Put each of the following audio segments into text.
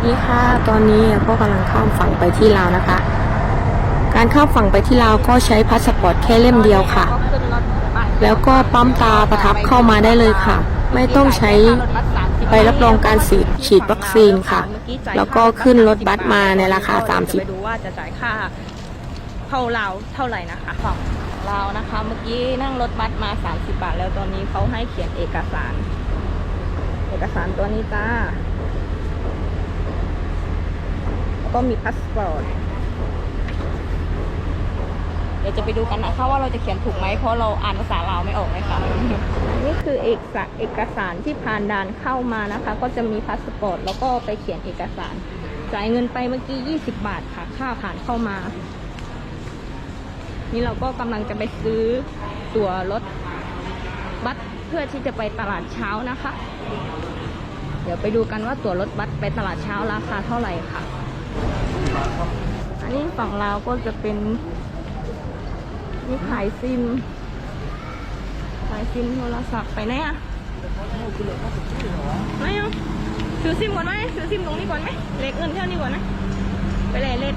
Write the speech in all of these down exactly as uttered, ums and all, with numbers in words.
นี่ค่ะตอนนี้ก็กำลังข้ามฝั่งไปที่ลาวนะคะ การข้ามฝั่งไปที่ลาวก็ใช้พาสปอร์ตแค่เล่มเดียวค่ะ แล้วก็ปั๊มตาประทับเข้ามาได้เลยค่ะ ไม่ต้องใช้ใบรับรองการฉีดวัคซีนค่ะ แล้วก็ขึ้นรถบัสมาในราคาสามสิบไปดูว่าจะจ่ายค่าเข้าลาวเท่าไหร่นะคะฝั่งลาวนะคะ เมื่อกี้นั่งรถบัสมาสามสิบบาทแล้วตอนนี้เขาให้เขียนเอกสาร เอกสารตัวนี้จ้าก็มีพาสปอร์ตเดี๋ยวจะไปดูกันนะคะว่าเราจะเขียนถูกไหมเพราะเราอ่านภาษาลาวไม่ออกเลยค่ะนี่คือเอกสารเอกสารที่ผ่านด่านเข้ามานะคะก็จะมีพาสปอร์ตแล้วก็ไปเขียนเอกสารจ่ายเงินไปเมื่อกี้ยี่สิบบาทค่ะค่าผ่านเข้ามานี่เราก็กำลังจะไปซื้อตั๋วรถบัสเพื่อที่จะไปตลาดเช้านะคะเดี๋ยวไปดูกันว่าตั๋วรถบัสไปตลาดเช้าราคาเท่าไหร่ค่ะอันนี้ฝั่งลาวก็จะเป็นนี่ขายซิมขายซิมโทรศัพท์ไปไหนอะไม่เอาซื้อซิมก่อนไหมซื้อซิมตรงนี้ก่อนไหมเล็กเงินเท่านี้ก่อนไหมไปเลยเล็ก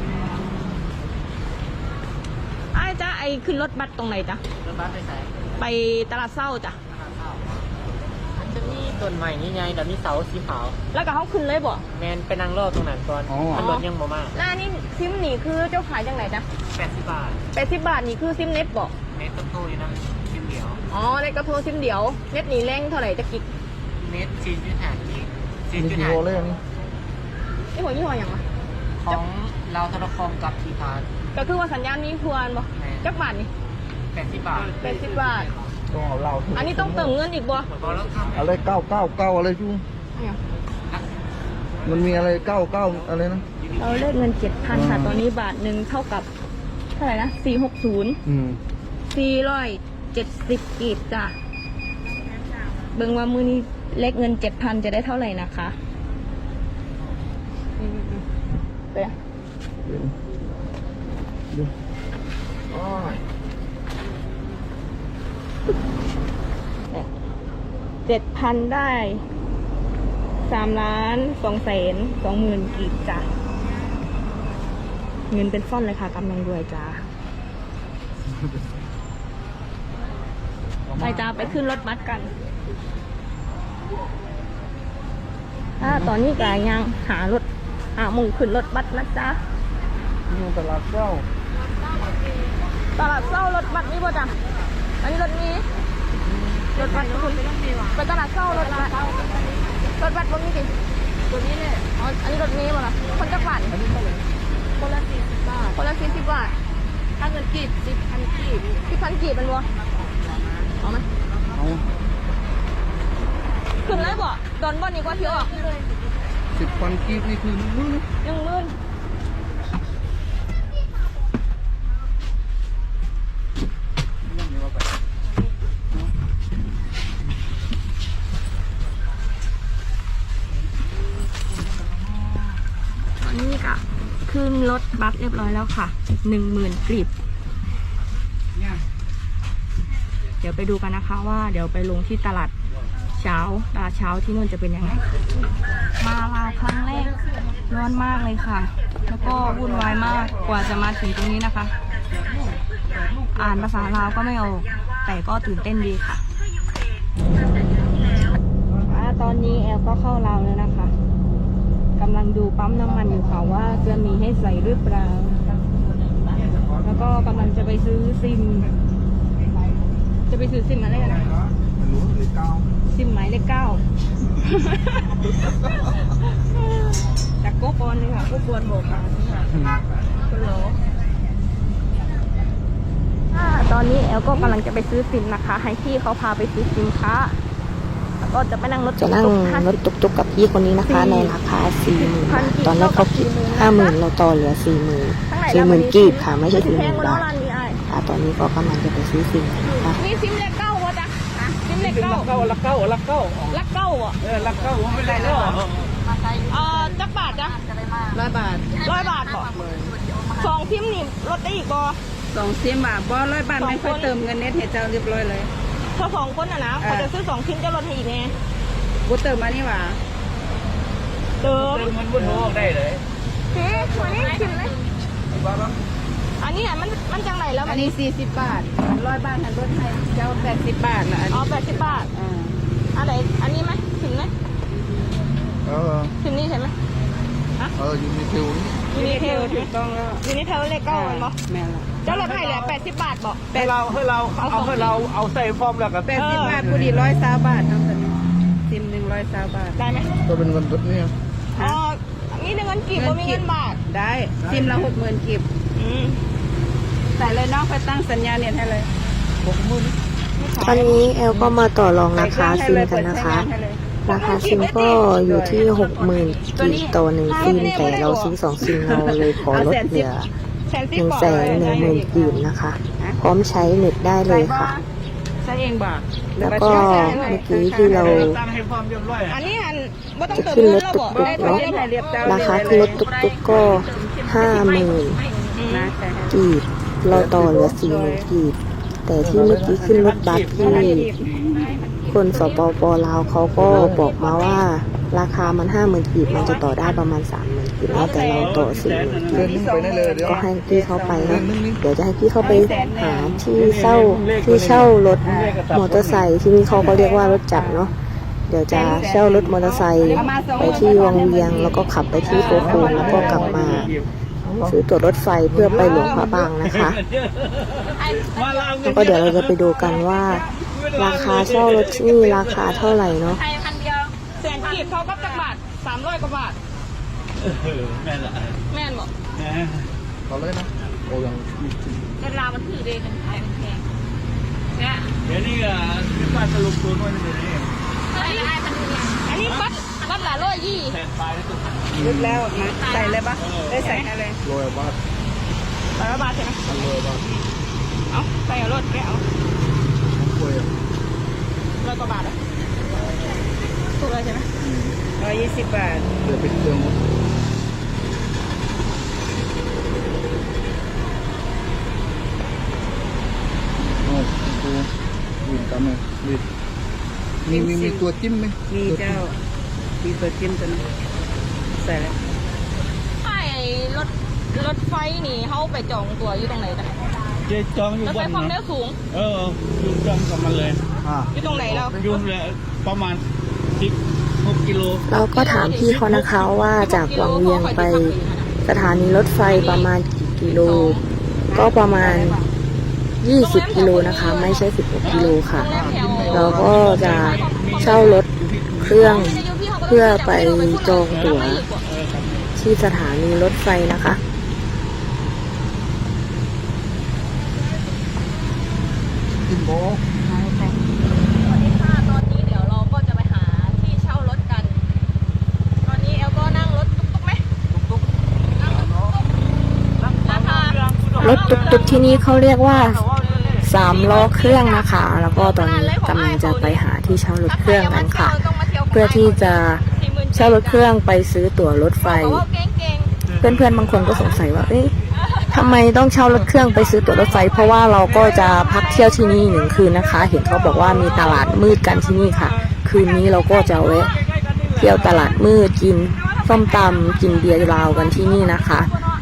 ไอ้จ้าไอ้ขึ้นรถบัสตรงไหนจ้ะรถบัสไปไหนไปตลาดเศร้าจ้ะมันจะมีต้นใหม่นี่ไงแต่มีเสาสีขาวแล้วก็เขาขึ้นเลยบ่แมนไปนั่งรอตรงนั้นก่อนมันรถยังบ่มาแล้วนี่ซิมนี่คือเจ้าขายจังไหนจ้ะแปดสิบบาทแปดสิบบาทนี่คือซิมเน็ตบ่เน็ตต้นโตอยู่นะซิมเดียวอ๋อเน็ตกระโทรซิมเดียวเน็ตนี่แรงเท่าไหร่จะกิกเน็ตซีนจุดห้ากิกซีนจุดห้าเลยนี่นี่หัวยี่ห้ออย่างวะของเราธนาคารกับทีพาร์ทก็คือว่าสัญญาณมีควรบ่จักบาทนี่แปดสิบบาทแปดสิบบาทต้องเอาเราอันนี้ต้องเติมเงินอีกบ่อะไรเก้าเก้าเก้าอะไรชูมันมีอะไรเก้าเก้าอะไรนะเราเลขเงินเจ็ดพันค่ะตอนนี้บาทหนึ่งเท่ากับเท่าไหร่นะสี่หกศูนย์สี่ร้อยเจ็ดสิบกีบจ้ะเบิ่งว่ามือนี้เลขเงินเจ็ดพันจะได้เท่าไหร่นะคะเดี๋ยวดูเจ็ดพันได้สามล้านสองแสนสองหมื่นกีบจ้ะเงินเป็นฟ่อนเลยค่ะกำลังรวยจ้าไปจ้าไปขึ้นรถบัสกันถ้าตอนนี้กายยังหารถหามุงขึ้นรถบัสนะจ๊ะนี่ตลาดเจ้าตลาดเศร้ารถบัสนี่ป่ะจ้ะอันนี้รถนี้รถบัสคุณไปตลาดเศร้ารถบัสรถบัสตรงนี้ดิตัวนี้เนี่ยอ๋ออันนี้รถนี้ป่ะล่ะคนจักรพันคนละสี่สิบบาทคนละสี่สิบบาทถ้าเงินกีบสิบพันกีบสิบพันกีบเป็นบ่เอาไหมเอาขึ้นเลยบ่โดนบ่นี่ก็เที่ยวสิบพันกีบนี่คือหมื่นหนึ่งหมื่นนี่ค่ะขึ้นรถบัสเรียบร้อยแล้วค่ะหนึ่งหมื่นกลีบเดี๋ยวไปดูกันนะคะว่าเดี๋ยวไปลงที่ตลาดเช้าตลาดเช้าที่นู่นจะเป็นยังไงมาลาวครั้งแรกร้อนมากเลยค่ะแล้วก็วุ่นวายมากกว่าจะมาถึงตรงนี้นะคะอ่านภาษาลาวก็ไม่ออกแต่ก็ตื่นเต้นดีค่ะตอนนี้แอลก็เข้าลาวแล้วนะคะกำลังดูปั๊มน้ำมันอยู่ค่ะว่าจะมีให้ใส่หรือเปล่าแล้วก็กำลังจะไปซื้อซิมจะไปซื้อซิมอะไรกันนะซิมหมายเลขเก้าจากโกบอลเลยค่ะโกบอลบอกค่ะคุณโหลตอนนี้แอลก็กำลังจะไปซื้อซิมนะคะให้พี่เขาพาไปซื้อซิมค่ะก็จะไปนั่งรถจะนั่งรถตุกๆกับพี่คนนี้นะคะในราคาสี่หมื่นตอนแรกเขาคิดห้าหมื่นเราต่อเหลือสี่หมื่นสี่หมื่นกีบค่ะไม่ใช่สี่หมื่นบาทค่ะตอนนี้ก็กำลังจะไปซื้อซิมนะคะมีซิมเลขเก้าวะจ๊ะซิมเลขเก้าลักเก้าลักเก้าลักเก้าลักเก้าอ่ะเออลักเก้าไม่ได้แล้วเออจักบาทจ้ะร้อยบาทร้อยบาทบ่สองซิมนี่ลดได้อีกบ่สองซิมบาทบ่ร้อยบาทไม่ค่อยเติมเงินเน็ตให้เจ้าเรียบร้อยเลยถ้าสองคนอ่ะนะเขาจะซื้อสองซิมจะลดให้อีกไงกูเติมมานี่หว่าเติมมันวุ่นวายได้เลยพี่วันนี้ชิมเลยอันนี้อ่ะมันมันจังไหนแล้วอันนี้สี่สิบบาทร้อยบาทหันรถให้เจ้าแปดสิบบาทละอันอ๋อนี้แปดสิบบาทอ่าอะไรอันนี้ไหมชิมไหมเออชิมนี่ใช่ไหมเออยูนิเทลนี่ยูนิเทลถูกต้องแล้วยูนิเทลเลขเก้าเลยมั้งแม่นละเจ้าลดให้เหลือแปดสิบบาทบอกให้เราให้เราเอาให้เราเอาใส่ฟอร์มแล้วก็แปดสิบบาทพอดีร้อยสามบาททั้งตัวนี้ซิมหนึ่งร้อยสามบาทได้ไหมก็เป็นเงินสดนี่อ๋อนี่เงินกีบบ่มีเงินบาทได้ซิมละหกหมื่นกิบอืมใส่เลยน้องไปตั้งสัญญาเน็ตให้เลยหกหมื่นตอนนี้แอลก็มาต่อรองราคาใส่ซิมเลยกัเปินดนะใช้คะงานให้เลยราคาซิมก็อยู่ที่หกหมื่นกีบต่อหนึ่งซิมแต่เราซื้อสองซิมเราเลยขอลดเหลือแสนหสิบนึ่งกว่าแสนหนึ่งหมื่นกีบนะคะ พร้อมใช้เน็ตได้เลยค่ะใช้เองบ่าแล้วก็เมื่อกี้ที่เราตั้งให้ฟอร์มเรียบร้อยอันนี้อันบ่ต้องจะเติมขึ้นเงิรนถแล้วตุบอกกได้ๆเท่าเนาะไหร่เรียบเจ้าราคาขึ้นรถตุกๆก็ห้าหมื่นนะใช่ให้กีบเราต่อเหลือสี่หมื่นกีบแต่ที่เมื่อกี้ขึ้นรถบัสที่คนสปปลาวเขาก็บอกมาว่า ราคามันห้าหมื่นกีบมันจะต่อได้ประมาณสามหมื่นกีบแล้วแต่เราต่อสี่หมื่นเดือนนึงไปได้เลยเดี๋ยวก็ให้พี่เข้าไปนะเดี๋ยวจะให้พี่เข้าไปหาที่เช่าที่เช่ารถมอเตอร์ไซค์ที่นี่เขาก็เรียกว่ารถจักรเนาะเดี๋ยวจะเช่ารถมอเตอร์ไซค์ไปที่วังเวียงแล้วก็ขับไปที่โคโคนแล้วก็กลับมาซื้อตั๋วรถไฟเพื่อไปหลวงพระบางนะคะแล้วก็เดี๋ยวเราจะไปดูกันว่า ราคาเช่ารถที่นี่ราคาเท่าไหร่เนาะไทยพันเดียวแสนกีบเขาก็จักบาทสามร้อยกว่าบาทแม่ละแม่นบอกเอาเลยนะโอ้ยังเงินลาวมันถือเดนมันแพงแพงเนี่ยเดี๋ยวนี้อ่ะที่บ้านสรุปตัวน้อยนี่เลยอันนี้อันนี้บัตรบัตรละร้อยยี่แทนปลายแล้วตัวลึกแล้วนะใส่เลยปะได้ใส่ให้เลยโรยบาทร้อยบาทใช่ไหมโรยบาทเอาใส่เอารถแกเอาโรยร้อยกว่าบาทอะถูกเลยใช่ไหมร้อยยี่สิบบาทเดี๋ยวเป็นเครื่องหมดโอ้ดูวินตามเลยวินมีมีมีตัวจิ้มไหมมีเจ้ามีตัวจิ้มตัวนี้ใส่แล้วไอ้รถรถไฟนี่เขาไปจองตัวอยู่ตรงไหนกันเจ๊จองอยู่รถบไฟนความเร็นะวสูงเอออยู่จองกับมันเลยอ่าอยู่ตรงไหนเราอยู่เลยประมาณสิบหกกิโลเราก็ถามพี่เขานะคะว่าจากวังเวียงไปสถานีรถไฟประมาณกี่กิโล ก็ประมาณยี่สิบกิโลนะคะ ไม่ใช่สิบหกกิโลค่ะ เราก็จะเช่ารถเครื่องเพื่อไปจองตั๋วที่สถานีรถไฟนะคะกินโบสวัสดีค่ะตอนนี้เดี๋ยวเราก็จะไปหาที่เช่ารถกัน ตอนนี้แอลก็นั่งรถตุ๊กๆไหมตุ๊กๆนั่งรถตุ๊กๆราคารถตุกๆที่นี่เขาเรียกว่าสามล้อเครื่องนะคะ แล้วก็ตอนนี้กำลังจะไปหาที่เช่ารถเครื่องกันค่ะ เพื่อที่จะเช่ารถเครื่องไปซื้อตั๋วรถไฟ เพื่อนๆบางคนก็สงสัยว่า เอ๊ะทำไมต้องเช่ารถเครื่องไปซื้อตั๋วรถไฟ เพราะว่าเราก็จะพักเที่ยวที่นี่หนึ่งคืนนะคะ เห็นเขาบอกว่ามีตลาดมืดกันที่นี่ค่ะ คืนนี้เราก็จะแวะเที่ยวตลาดมืดกินส้มตำกินเบียร์ลาวกันที่นี่นะคะ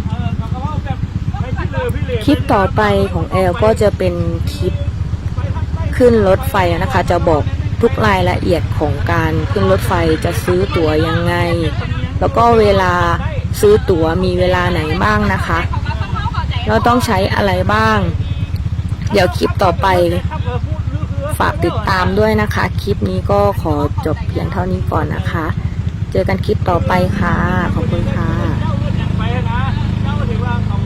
คลิปต่อไปของแอลก็จะเป็นคลิปขึ้นรถไฟนะคะ จะบอกทุกรายละเอียดของการขึ้นรถไฟจะซื้อตั๋วยังไง แล้วก็เวลาซื้อตั๋วมีเวลาไหนบ้างนะคะเราต้องใช้อะไรบ้าง เดี๋ยวคลิปต่อไปฝากติดตามด้วยนะคะ คลิปนี้ก็ขอจบเพียงเท่านี้ก่อนนะคะ เจอกันคลิปต่อไปค่ะขอบคุณค่ะ